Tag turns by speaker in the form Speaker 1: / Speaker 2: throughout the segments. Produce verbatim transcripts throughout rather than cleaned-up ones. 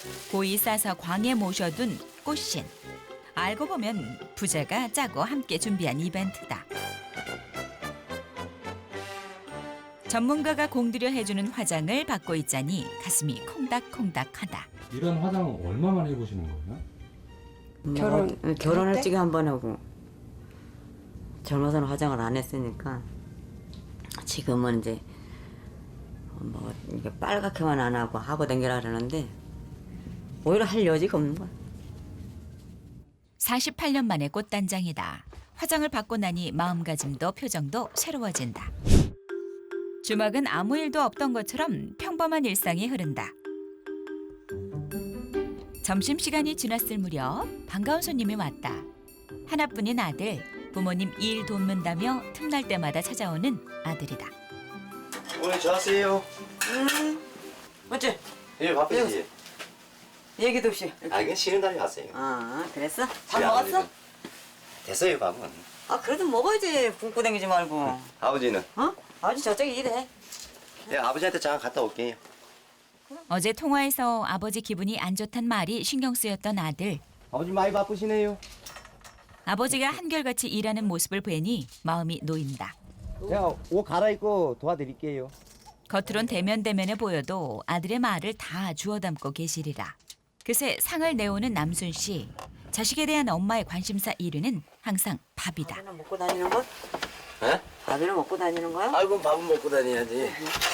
Speaker 1: 고이 싸서 광에 모셔둔 꽃신. 알고 보면 부자가 짜고 함께 준비한 이벤트다. 전문가가 공들여 해주는 화장을 받고 있자니 가슴이 콩닥콩닥하다.
Speaker 2: 이런 화장은 얼마만 해보시는 거예요?
Speaker 3: 결혼
Speaker 4: 뭐, 결혼할 적에 한 번 하고 젊어서는 화장을 안 했으니까 지금은 이제 뭐 이게 빨갛게만 안 하고 하고 댕기라 그러는데 오히려 할 여지가 없는 거야.
Speaker 1: 사십팔 년 만에 꽃단장이다. 화장을 받고 나니 마음가짐도 표정도 새로워진다. 주막은 아무 일도 없던 것처럼 평범한 일상이 흐른다. 점심시간이 지났을 무렵 반가운 손님이 왔다. 하나뿐인 아들, 부모님 일 돕는다며 틈날 때마다 찾아오는 아들이다.
Speaker 5: 오늘 좋았어요.
Speaker 4: 음, 어째
Speaker 5: 예, 바쁘지.
Speaker 4: 얘기도 없이.
Speaker 5: 아, 이건 쉬는 날이 왔어요.
Speaker 4: 아, 그랬어? 밥
Speaker 5: 우리
Speaker 4: 먹었어?
Speaker 5: 아버지는 됐어요, 밥은.
Speaker 4: 아, 그래도 먹어야지. 굶고 다니지 말고.
Speaker 5: 아버지는?
Speaker 4: 어? 아버지 저쪽에 일해.
Speaker 5: 예, 아버지한테 잠깐 갔다 올게요.
Speaker 1: 어제 통화에서 아버지 기분이 안 좋단 말이 신경 쓰였던 아들.
Speaker 5: 아버지 많이 바쁘시네요.
Speaker 1: 아버지가 한결같이 일하는 모습을 보니 마음이 놓인다.
Speaker 5: 제가 옷 갈아입고 도와드릴게요.
Speaker 1: 겉으론 대면대면해 보여도 아들의 말을 다 주워 담고 계시리라. 그새 상을 내오는 남순 씨. 자식에 대한 엄마의 관심사 일 위는 항상 밥이다.
Speaker 4: 밥이나 먹고 다니는 거?
Speaker 5: 예?
Speaker 4: 밥이나 먹고 다니는 거야?
Speaker 5: 아이고, 밥은 먹고 다녀야지.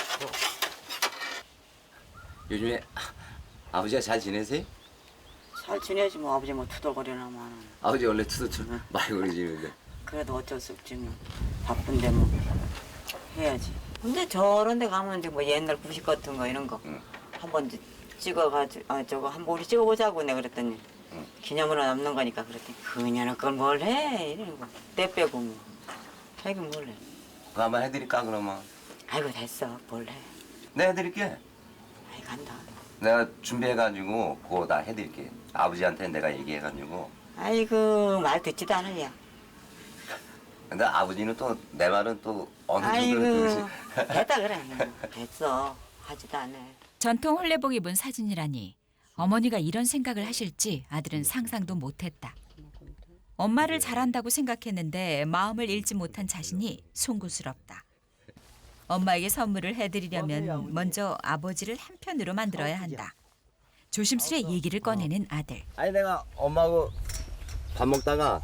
Speaker 5: 요즘에 아버지가 잘 지내세요?
Speaker 4: 잘 지내지 뭐. 아버지 뭐 투덜거리나만.
Speaker 5: 아버지 원래 투두투 많이 그러시는데.
Speaker 4: 그래도 어쩔 수 없지 뭐. 바쁜데 뭐 해야지. 근데 저런 데 가면 이제 뭐 옛날 구식 같은 거 이런 거
Speaker 5: 응.
Speaker 4: 한번 이제 찍어가지고 아 저거 한번 우리 찍어보자고 내가 그랬더니
Speaker 5: 응.
Speaker 4: 기념으로 남는 거니까 그랬더니 그녀는 그걸 뭘 해 이러는 거. 때 빼고 뭐. 자기는 뭘 해.
Speaker 5: 그거 한번 해드릴까, 그러면?
Speaker 4: 아이고 됐어 뭘 해.
Speaker 5: 네, 해드릴게.
Speaker 4: 아이 간다.
Speaker 5: 내가 준비해가지고 그거 다 해드릴게. 아버지한테 내가 얘기해가지고.
Speaker 4: 아이고 말 듣지도 않으냐.
Speaker 5: 근데 아버지는 또 내 말은 또 어느 정도
Speaker 4: 아이고
Speaker 5: 들으시.
Speaker 4: 됐다 그래. 됐어 하지도 않아.
Speaker 1: 전통 홀레복 입은 사진이라니 어머니가 이런 생각을 하실지 아들은 상상도 못했다. 엄마를 잘한다고 생각했는데 마음을 잃지 못한 자신이 송구스럽다. 엄마에게 선물을 해드리려면 먼저 아버지를 한편으로 만들어야 한다. 조심스레 얘기를 꺼내는 아들.
Speaker 5: 아니 내가 엄마하고 밥 먹다가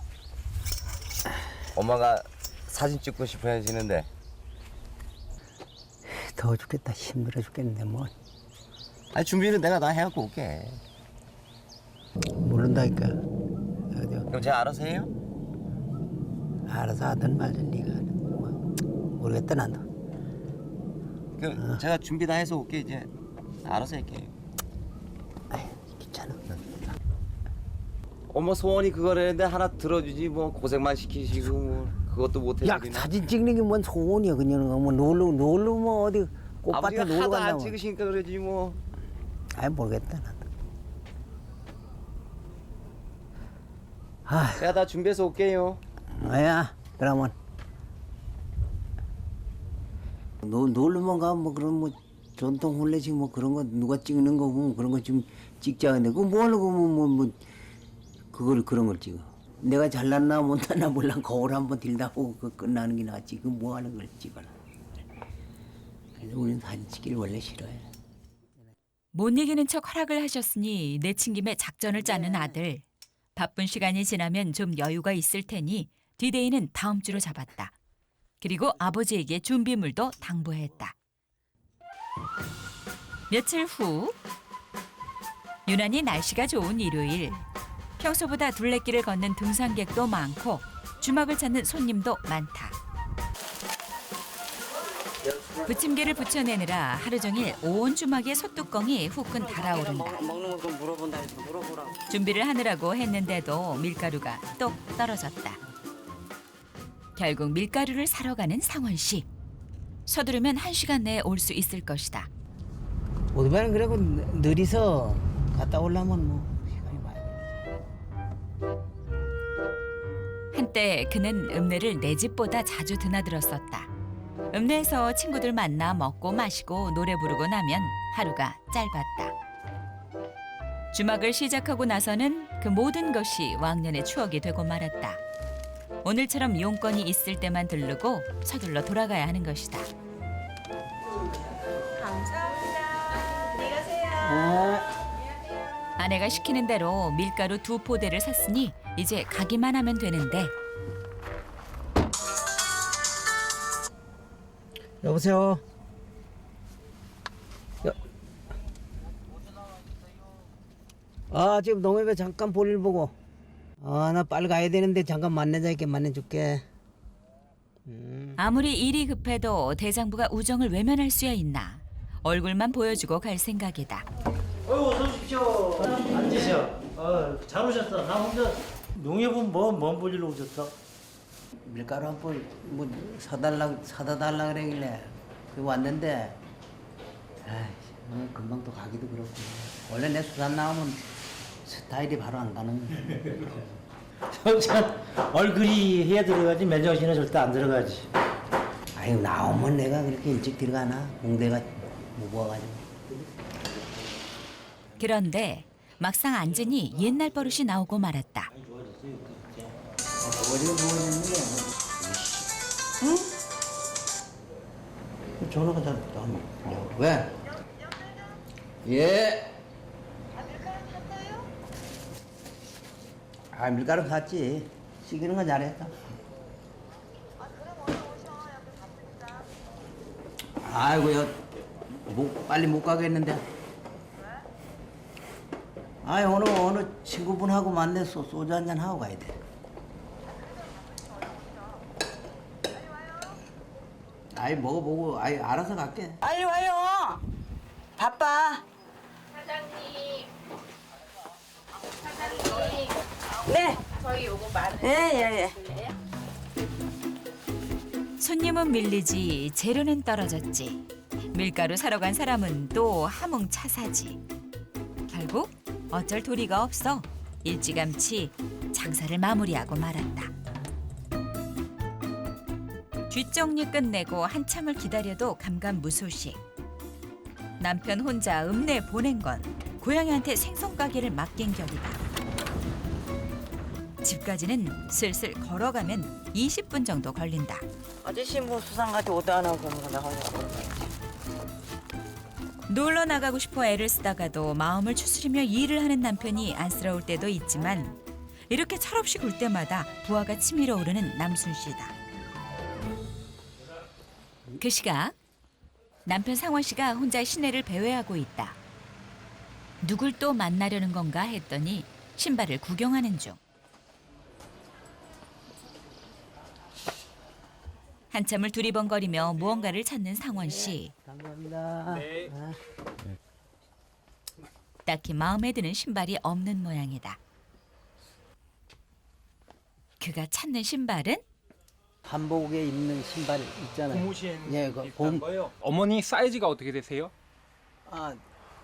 Speaker 5: 엄마가 사진 찍고 싶어 하시는데.
Speaker 3: 더워 죽겠다. 힘들어 죽겠는데 뭐.
Speaker 5: 아니 준비는 내가 다 해갖고 올게.
Speaker 3: 모른다니까. 어디
Speaker 5: 그럼 제가 알아서 해요?
Speaker 3: 알아서 하든 말든 네가 뭐, 모르겠다 나도.
Speaker 5: 그 제가 준비 다 해서 올게. 이제 알아서 할게요.
Speaker 3: 아이 귀찮아.
Speaker 5: 엄마 소원이 그거라는데 하나 들어주지 뭐 고생만 시키시고 뭐 그것도 못
Speaker 3: 야
Speaker 5: 해주기나.
Speaker 3: 사진 찍는 게 뭔 소원이야 그녀는. 뭐 놀러 놀러 뭐 어디 꽃밭에
Speaker 5: 아버지가
Speaker 3: 놀러
Speaker 5: 하도 안
Speaker 3: 간다고.
Speaker 5: 찍으시니까 그러지 뭐.
Speaker 3: 아이 모르겠다 나도. 아,
Speaker 5: 제가 다 준비해서 올게요.
Speaker 3: 아야 그러면 노, 놀러만 가면 뭐 그런 뭐 전통 혼례식 뭐 그런 거 누가 찍는 거 보면 그런 거 좀 찍자 근데 그거 뭐 하려고 뭐, 뭐, 뭐 그걸 그런 걸 찍어. 내가 잘났나 못났나 몰라. 거울 한번 들다 보고 그 끝나는 게 낫지. 그 뭐 하는 걸 찍어라. 그래서 우리는 사진 찍기를 원래 싫어해.
Speaker 1: 못 이기는 척 허락을 하셨으니 내친김에 작전을 짜는 아들. 바쁜 시간이 지나면 좀 여유가 있을 테니 디데이는 다음 주로 잡았다. 그리고 아버지에게 준비물도 당부했다. 며칠 후 유난히 날씨가 좋은 일요일. 평소보다 둘레길을 걷는 등산객도 많고 주막을 찾는 손님도 많다. 부침개를 부쳐내느라 하루 종일 온 주막의 솥뚜껑이 후끈 달아오른다.
Speaker 4: 먹, 먹는 거 물어본다 해서 물어보라고.
Speaker 1: 준비를 하느라고 했는데도 밀가루가 똑 떨어졌다. 결국 밀가루를 사러 가는 상원 씨. 서두르면 한 시간 내에 올 수 있을 것이다.
Speaker 3: 오토바이는 그래고 느리서 갔다 오려면 뭐 시간이 많이 걸리지.
Speaker 1: 한때 그는 읍내를 내 집보다 자주 드나들었었다. 읍내에서 친구들 만나 먹고 마시고 노래 부르고 나면 하루가 짧았다. 주막을 시작하고 나서는 그 모든 것이 왕년의 추억이 되고 말았다. 오늘처럼 용건이 있을 때만 들르고 서둘러 돌아가야 하는 것이다. 아내가 시키는 대로 밀가루 두 포대를 샀으니 이제 가기만 하면 되는데
Speaker 3: 여보세요. 여... 아 지금 농협에 잠깐 볼일 보고. 아 나 빨리 가야 되는데 잠깐 만나자니까 만나줄게. 음.
Speaker 1: 아무리 일이 급해도 대장부가 우정을 외면할 수야 있나. 얼굴만 보여주고 갈 생각이다.
Speaker 6: 어유 어서 오십시오. 앉으셔. 어, 잘 오셨어. 나 혼자 농협은 뭐먼 볼일로 오셨어?
Speaker 3: 밀가루 한 볼 뭐 사달라 사다 달라 그러길래 그 왔는데 아이 뭐 금방 또 가기도 그렇고 원래 내 수산 나오면 스타일이 바로 안 가는
Speaker 6: 참 얼굴이 해야 들어가지 맨정신에 절대 안 들어가지.
Speaker 3: 아유 나오면 내가 그렇게 일찍 들어가나 공대가 무거워가지고
Speaker 1: 그런데 막상 앉으니 옛날 버릇이 나오고 말았다.
Speaker 3: 어디가 누워있는데 응? 전화가 잘 안 왜? 예. 아 밀가루 샀지. 시키는 건 잘했다. 아이고 여 못, 빨리 못 가겠는데. 아이 오늘 어느 친구분하고 만나서 소주 한잔 하고 가야 돼. 아이 먹어보고 아이 알아서 갈게.
Speaker 7: 빨리 와요. 바빠.
Speaker 8: 사장님. 사장님.
Speaker 7: 네.
Speaker 8: 저희 요거 많은
Speaker 7: 예, 예, 예.
Speaker 8: 줄래요?
Speaker 1: 손님은 밀리지 재료는 떨어졌지. 밀가루 사러 간 사람은 또 하몽 차사지. 결국 어쩔 도리가 없어 일찌감치 장사를 마무리하고 말았다. 뒷정리 끝내고 한참을 기다려도 감감무소식. 남편 혼자 읍내 보낸 건 고양이한테 생선 가게를 맡긴 격이다. 집까지는 슬슬 걸어가면 이십 분 정도 걸린다.
Speaker 7: 아저씨 뭐 수상같이 오도 안 하고 뭐 나가냐고.
Speaker 1: 놀러 나가고 싶어 애를 쓰다가도 마음을 추스리며 일을 하는 남편이 안쓰러울 때도 있지만 이렇게 철없이 굴 때마다 부하가 치밀어 오르는 남순 씨다. 그 시각 남편 상원 씨가 혼자 시내를 배회하고 있다. 누굴 또 만나려는 건가 했더니 신발을 구경하는 중. 한참을 두리번거리며 무언가를 찾는 상원 씨.
Speaker 3: 감사합니다. 네.
Speaker 1: 딱히 마음에 드는 신발이 없는 모양이다. 그가 찾는 신발은
Speaker 3: 한복에 입는 신발 있잖아요.
Speaker 9: 고무신
Speaker 3: 예, 그
Speaker 9: 비슷한
Speaker 3: 봄-
Speaker 9: 거요? 어머니 사이즈가 어떻게 되세요?
Speaker 3: 아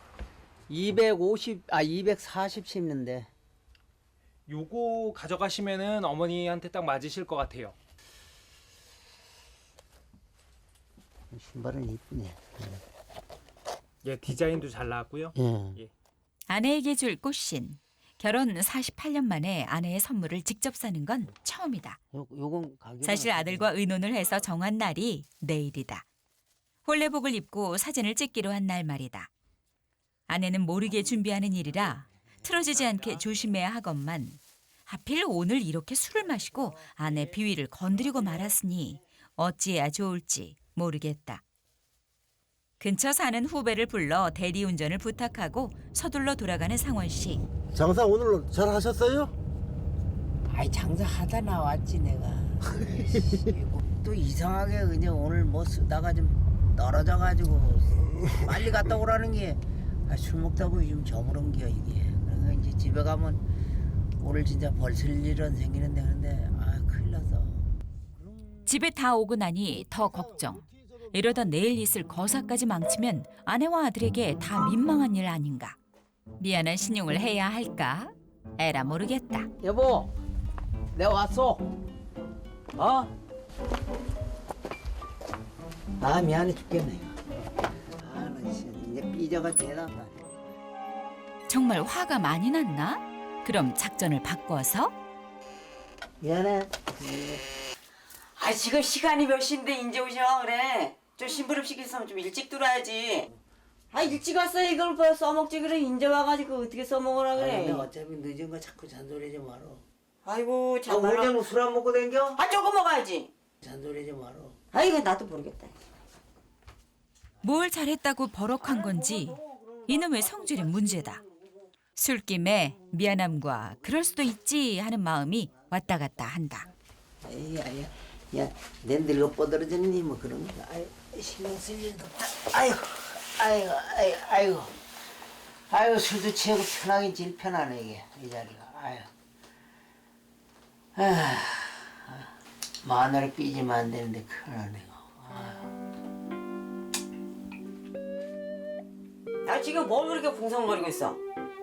Speaker 3: 이백오십 아 이백사십 신는데
Speaker 9: 요거 가져가시면은 어머니한테 딱 맞으실 것 같아요.
Speaker 3: 신발은 이쁘네.
Speaker 9: 예, 디자인도 잘 나왔고요.
Speaker 3: 예.
Speaker 1: 아내에게 줄 꽃신. 결혼 사십팔 년 만에 아내의 선물을 직접 사는 건 처음이다.
Speaker 3: 요 요건 가격
Speaker 1: 사실 아들과 의논을 해서 정한 날이 내일이다. 홀레복을 입고 사진을 찍기로 한 날 말이다. 아내는 모르게 준비하는 일이라 틀어지지 않게 조심해야 하건만 하필 오늘 이렇게 술을 마시고 아내 비위를 건드리고 말았으니 어찌해야 좋을지 모르겠다. 근처 사는 후배를 불러 대리운전을 부탁하고 서둘러 돌아가는 상원 씨.
Speaker 10: 장사 오늘 잘 하셨어요?
Speaker 3: 아이 장사하다 나왔지 내가. 또 이상하게 그냥 오늘 뭐 쓰다가 좀 떨어져가지고 빨리 갔다 오라는 게 술 먹다 보니 좀 저물은 겨 이게. 그래서 이제 집에 가면 오늘 진짜 벌쓸 일은 생기는데 근데 아 큰일 났어.
Speaker 1: 집에 다 오고 나니 더 걱정. 이러다 내일 있을 거사까지 망치면 아내와 아들에게 다 민망한 일 아닌가. 미안한 신용을 해야 할까? 에라 모르겠다.
Speaker 3: 여보, 내가 왔어. 어? 아 미안해 죽겠네. 아나 진짜 이제 삐져가 대단하다.
Speaker 1: 정말 화가 많이 났나? 그럼 작전을 바꿔서
Speaker 3: 미안해.
Speaker 7: 아 지금 시간이 몇 시인데 이제 오셔 그래. 좀 심부름 시켰으면 좀 일찍 들어야지. 아 일찍 왔어 이걸 뭐 써먹지 그래. 이제 와가지고 어떻게 써먹으라 그래.
Speaker 3: 아니, 어차피 늦은 거 자꾸 잔소리하지 마라.
Speaker 7: 아이고
Speaker 3: 아,
Speaker 7: 참. 아,
Speaker 3: 오늘 술 안 먹고 댕겨?
Speaker 7: 아 조금 먹어야지.
Speaker 3: 잔소리하지 마라.
Speaker 7: 아이고 나도 모르겠다.
Speaker 1: 뭘 잘했다고 버럭한 건지 이놈의 성질이 문제다. 술김에 미안함과 그럴 수도 있지 하는 마음이 왔다 갔다 한다.
Speaker 3: 아이, 아이, 야, 내 늙어 뻗어지니 뭐 그런 거. 아이, 신경 쓸 일도 없다. 아이고, 아이고, 아이고, 아이고, 아이고, 술도 취하고 편하긴 제일 편하네 이게 이 자리가. 아이고, 아, 마늘을 삐지면 안 되는데 큰일나네.
Speaker 7: 나 지금 뭘 그렇게 궁성거리고 있어?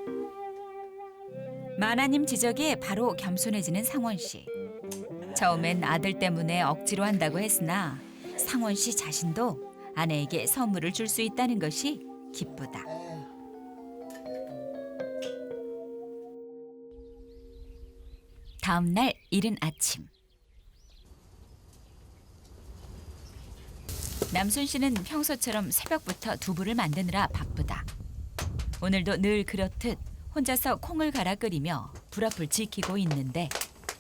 Speaker 1: 마나님 지적에 바로 겸손해지는 상원 씨. 처음엔 아들 때문에 억지로 한다고 했으나 상원 씨 자신도 아내에게 선물을 줄 수 있다는 것이 기쁘다. 다음 날 이른 아침. 남순 씨는 평소처럼 새벽부터 두부를 만드느라 바쁘다. 오늘도 늘 그렇듯 혼자서 콩을 갈아 끓이며 불 앞을 지키고 있는데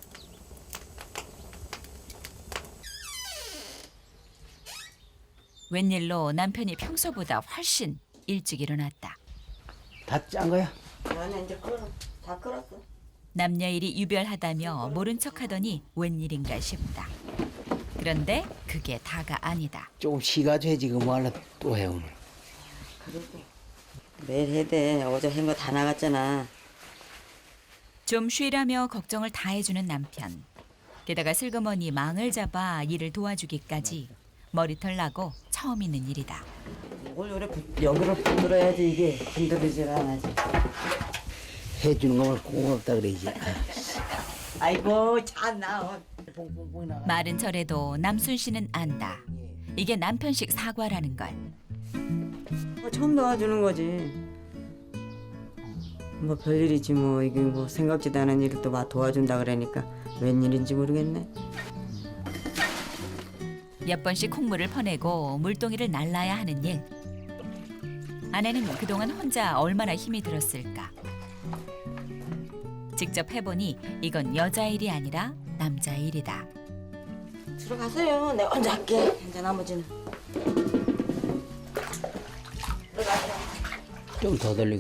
Speaker 1: 웬일로 남편이 평소보다 훨씬 일찍 일어났다.
Speaker 3: 다 짠 거야?
Speaker 7: 나는 이제 끓어. 다 끓었어.
Speaker 1: 남녀일이 유별하다며 모른 척하더니 웬일인가 싶다. 그런데 그게 다가 아니다.
Speaker 3: 조금 쉬가지고 해 지금 뭐 하려 또 해 오늘.
Speaker 7: 그리고 매일 해야 돼. 어제 한 거 다 나갔잖아.
Speaker 1: 좀 쉬라며 걱정을 다 해주는 남편. 게다가 슬그머니 망을 잡아 일을 도와주기까지 머리털 나고 처음 있는 일이다.
Speaker 7: 이걸 요래 부- 여기를 흔들어야지 이게 흔들리질 않아지.
Speaker 3: 해주는 거면 고맙다 그러지.
Speaker 7: 아이고 참나.
Speaker 3: 뽕뽕뽕 나가.
Speaker 1: 말은 저래도 남순 씨는 안다. 이게 남편식 사과라는 걸.
Speaker 7: 뭐 처음 도와주는 거지. 뭐 별일이지 뭐 이게 뭐 생각지도 않은 일을 또 막 도와준다 그러니까 웬일인지 모르겠네.
Speaker 1: 몇 번씩 콩물을 퍼내고 물동이를 날라야 하는 일. 아내는 그동안 혼자 얼마나 힘이 들었을까. 직접 해보니 이건 여자 일이 아니라 남자 일이다.
Speaker 7: 들어가세요. 내가 먼저 할게. 이제 나머지는.
Speaker 3: 좀 더 돌리고.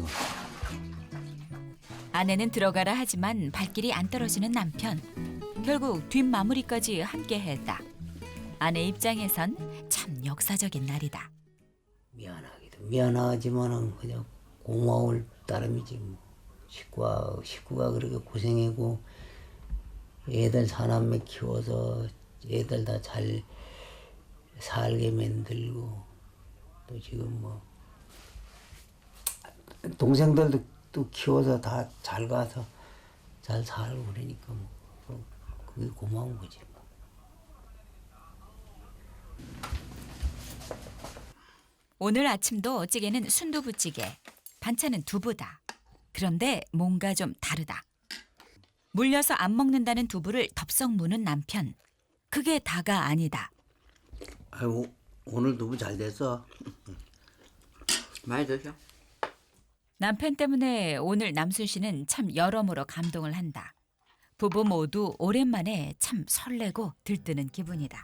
Speaker 1: 아내는 들어가라 하지만 발길이 안 떨어지는 남편. 결국 뒷마무리까지 함께 했다. 아내 입장에선 참 역사적인 날이다.
Speaker 3: 미안하기도 미안하지만은 그냥 고마울 따름이지 뭐. 식구가 식구가 그렇게 고생하고 애들 사남매 키워서 애들 다 잘 살게 만들고 또 지금 뭐 동생들도 또 키워서 다 잘 가서 잘 살고 그러니까 뭐 그게 고마운 거지. 뭐.
Speaker 1: 오늘 아침도 찌개는 순두부찌개, 반찬은 두부다. 그런데 뭔가 좀 다르다. 물려서 안 먹는다는 두부를 덥석 무는 남편. 그게 다가 아니다.
Speaker 3: 아이고 오늘 두부 잘 됐어.
Speaker 7: 많이 드셔.
Speaker 1: 남편 때문에 오늘 남순 씨는 참 여러모로 감동을 한다. 부부 모두 오랜만에 참 설레고 들뜨는 기분이다.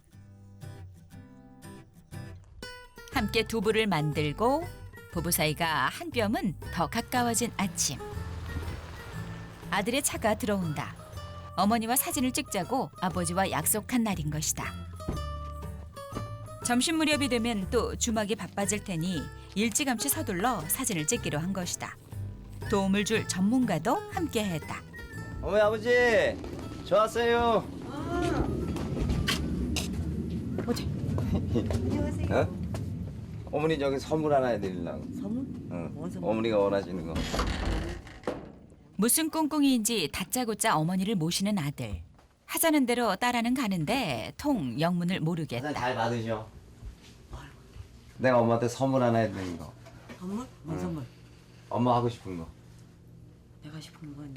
Speaker 1: 함께 두부를 만들고 부부 사이가 한 뼘은 더 가까워진 아침. 아들의 차가 들어온다. 어머니와 사진을 찍자고 아버지와 약속한 날인 것이다. 점심 무렵이 되면 또 주막이 바빠질 테니 일찌감치 서둘러 사진을 찍기로 한 것이다. 도움을 줄 전문가도 함께했다.
Speaker 5: 어머니 아버지 저 왔어요. 안녕하세요. 어? 어머니 저기 선물 하나 해드리려고.
Speaker 7: 선물?
Speaker 5: 응.
Speaker 7: 뭔 선물?
Speaker 5: 어머니가 원하시는 거.
Speaker 1: 무슨 꿍꿍이인지 다짜고짜 어머니를 모시는 아들. 하자는 대로 따라는 가는데 통 영문을 모르겠다.
Speaker 5: 잘 받으셔. 내가 엄마한테 선물 하나 해드리는 거.
Speaker 7: 선물? 뭔 선물?
Speaker 5: 엄마 하고 싶은 거.
Speaker 4: 싶은 거 있나?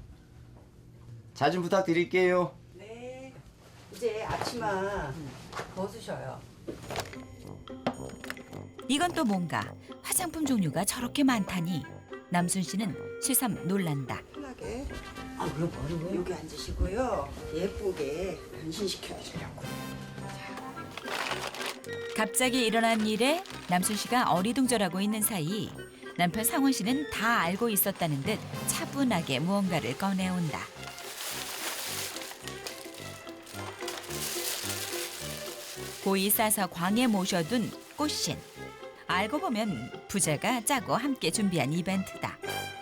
Speaker 11: 자 좀 부탁드릴게요.
Speaker 7: 네. 이제 앞치마 벗으셔요.
Speaker 1: 이건 또 뭔가 화장품 종류가 저렇게 많다니 남순 씨는 새삼 놀란다.
Speaker 7: 편하게
Speaker 4: 아, 그거 뭐라고요?
Speaker 7: 여기 앉으시고요. 예쁘게 변신시켜 주려고.
Speaker 1: 갑자기 일어난 일에 남순 씨가 어리둥절하고 있는 사이 남편 상원 씨는 다 알고 있었다는 듯 차분하게 무언가를 꺼내온다. 고이 싸서 광에 모셔둔 꽃신. 알고 보면 부자가 짜고 함께 준비한 이벤트다.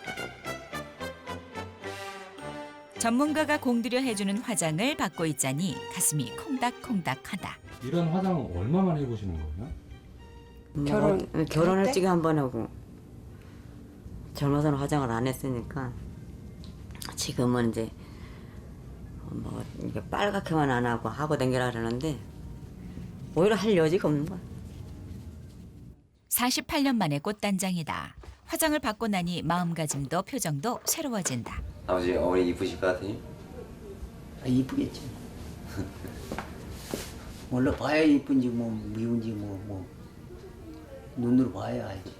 Speaker 1: 전문가가 공들여 해주는 화장을 받고 있자니 가슴이 콩닥콩닥하다.
Speaker 2: 이런 화장은 얼마만 해보시는 거예요?
Speaker 4: 결혼
Speaker 7: 때?
Speaker 4: 결혼을 찍어 한 번 하고 젊어서는 화장을 안 했으니까 지금은 이제 뭐 이게 빨갛게만 안 하고 하고 댕기라 그러는데 오히려 할 여지가 없는 거야.
Speaker 1: 사십팔 년 만에 꽃단장이다. 화장을 받고 나니 마음가짐도 표정도 새로워진다.
Speaker 5: 아버지 어머니 이쁘실 것 같으니?
Speaker 3: 아, 이쁘겠지. 원래 봐야 이쁜지 뭐 미운지 뭐 뭐 눈으로 봐야 알지.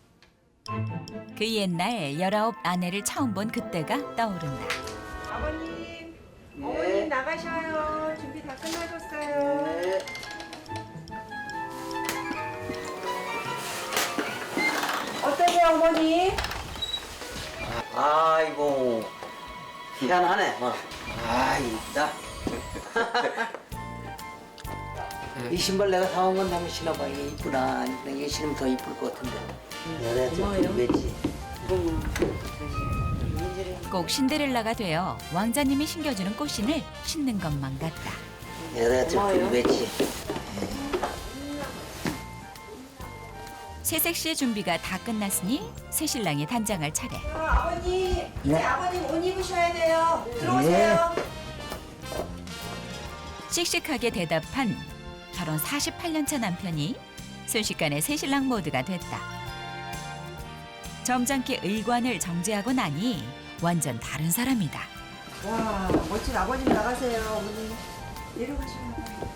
Speaker 1: 그 옛날 열아홉 아내를 처음 본 그때가 떠오른다.
Speaker 7: 아버님, 어머님 나가셔요. 준비 다 끝나셨어요.
Speaker 3: 네.
Speaker 7: 어떠세요, 어머니?
Speaker 3: 아이고 희한하네. 뭐. 아 이쁘다. 이 신발 내가 사온 건 한번 신어봐. 이게 이쁘다. 이게 신으면 더 이쁠 것 같은데. 내가 좀 왜지?
Speaker 1: 꼭 신데렐라가 되어 왕자님이 신겨주는 꽃신을 신는 것만 같다.
Speaker 3: 내가 좀 왜지?
Speaker 1: 새색시의 준비가 다 끝났으니 새신랑이 단장할 차례.
Speaker 7: 어, 아버님, 이제
Speaker 3: 네.
Speaker 7: 아버님 옷 입으셔야 돼요. 들어오세요.
Speaker 1: 씩씩하게 대답한 결혼 사십팔 년 차 남편이 순식간에 새신랑 모드가 됐다. 점잖게 의관을 정제하고 나니 완전 다른 사람이다.
Speaker 7: 와, 멋진 아버님 나가세요, 어머님. 내려가시면 돼요.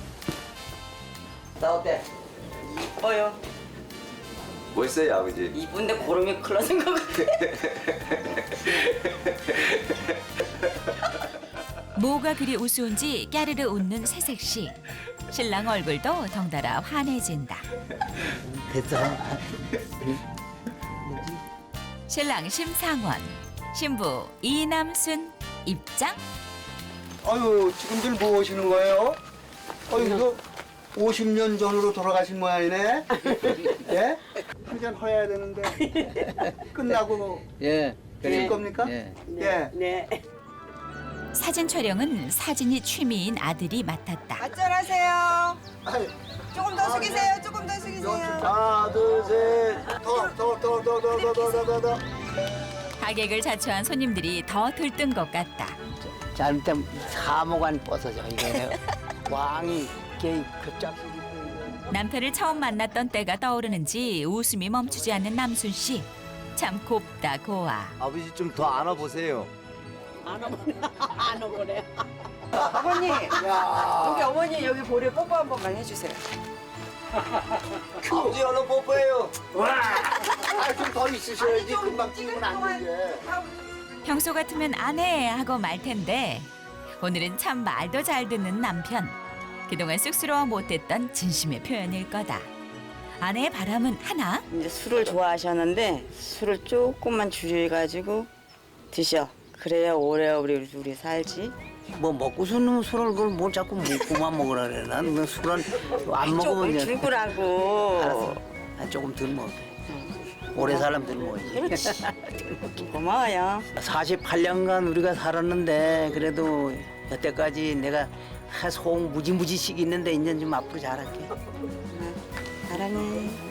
Speaker 3: 나 어때?
Speaker 7: 이뻐요.
Speaker 5: 멋있어요 아버지.
Speaker 7: 이쁜데 고름이 클러진 것 같아.
Speaker 1: 뭐가 그리 우스운지 까르르 웃는 새색시. 신랑 얼굴도 덩달아 환해진다.
Speaker 3: 됐어.
Speaker 1: 신랑 심상원, 신부 이남순 입장.
Speaker 10: 아유, 지금들 뭐 하시는 거예요? 아유, 이거 오십 년 전으로 돌아가신 모양이네? 예? 한 잔 허야 되는데. 끝나고
Speaker 3: 예.
Speaker 10: 드실 겁니까?
Speaker 3: 예.
Speaker 10: 예.
Speaker 7: 네.
Speaker 1: 사진 촬영은 사진이 취미인 아들이 맡았다.
Speaker 7: 안전하세요.
Speaker 10: 아유,
Speaker 7: 조금 더 숙이세요. 조금 더 숙이세요.
Speaker 10: 하나, 둘, 셋. 더, 더, 더, 더, 더, 더, 더, 더, 더, 더.
Speaker 1: 가객을 자초한 손님들이 더 들뜬 것 같다.
Speaker 3: 잘못하면 사모관 벗어져. 이거 왕이 이렇게 급작스럽게 이거.
Speaker 1: 남편을 처음 만났던 때가 떠오르는지 웃음이 멈추지 않는 남순 씨. 참 곱다 고와.
Speaker 11: 아버지 좀 더 안아보세요.
Speaker 7: 안 오고래. 아버님, 여기 어머니 여기 볼에 뽀뽀 한 번만 해주세요.
Speaker 11: 아버지 얼른 뽀뽀해요.
Speaker 10: 아, 좀 더 있으셔야지. 금방 찍으면 안 되게.
Speaker 1: 평소 같으면 안 해 하고 말 텐데 오늘은 참 말도 잘 듣는 남편. 그동안 쑥스러워 못했던 진심의 표현일 거다. 아내의 바람은 하나?
Speaker 7: 이제 술을 좋아하셨는데 술을 조금만 줄여가지고 드셔. 그래야 오래오래 우리 살지.
Speaker 3: 뭐 먹고서는 술을 그걸 뭘 자꾸 먹고만 먹으라 그래. 나는 그 술은 안 먹으면
Speaker 7: 조금
Speaker 3: 이제
Speaker 7: 줄거라고.
Speaker 3: 알았어. 아, 조금 덜 먹어. 오래 살면 덜 먹어야지.
Speaker 7: 그렇지. 고마워요.
Speaker 3: 사십팔 년간 우리가 살았는데 그래도 여태까지 내가 속 무지무지씩 있는데 이제 좀 앞으로 잘할게.
Speaker 7: 사랑해.